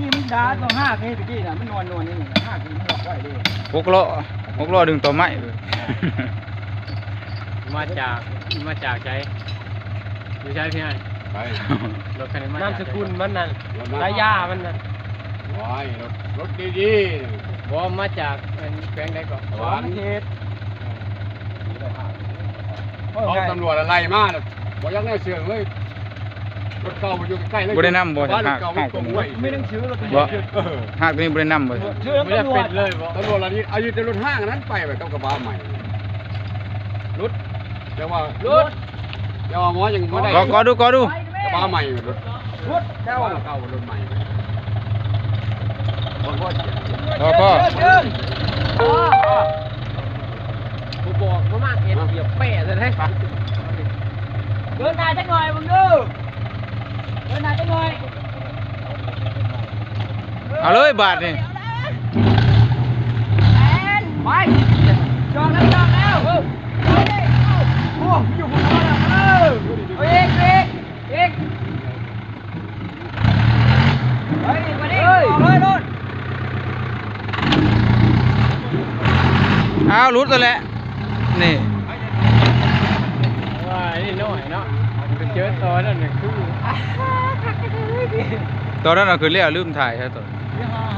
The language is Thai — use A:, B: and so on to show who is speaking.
A: กี้มันด่าตัวห้าเมตรกี้น่ะมันนวลนี่ห้ากินมันหลอกไว้เลย
B: 6 ล้อดึงต่อไม้เลย
C: มาจากใจอยู่ใช่พี่ไอ้
D: ไป
C: รถคันนี้มาน
E: ามสกุลมันนั่น
D: ร
E: ระยะมันนั่น
D: ว้ายรถดี
C: บ่มาจากแขวงใดก่อน
D: ๆหวาน
A: เทศ
D: เขาตำรวจอะไรมาบ่ยังได้เชื่อเลยรถเก่าอยู่ใกล้เลย
B: บ่ได้นำบ่
D: บ้าน
B: หัก
D: เก่า
B: หัก
D: ตรงไว้
A: ไม่ต้องชื่อเรา
B: บ่หักตัวนี้บ่ได้นำบ่
A: ชื่อ
C: ไม่ได้
A: ตำรว
C: เป็
A: จ
C: นเลยบ่
D: ตำรวจอะไรนี่อายุจะรถห้างนั้นไปแบบกับกระบะใหม่รถแต่ว่ารถแต่ว่าหมอยังไม่ได้
B: ก็ดู
D: กระบะใหม่รถ
A: รถเจ้า
D: เก่ารถใหม่
B: ก็
C: ผู้บอกมามากเห็นเหยียบแปะจะได้ปะ
A: เดินหน้าจังหน่อยมึงดูเดินหน้าจังหน่อย
B: เอาเลยบาทนี่
A: ไปจอดแล้วโอ้อยู่บนรถเอกไปเลยรถ
B: เอารุดแล้วแหละนี่
C: ว่านี่น้อยเนาะไปเจอตอนนั้นคือ
B: ตอนนั้นเราคือเรียกลืมถ่ายใช่ตัว
A: ยังไง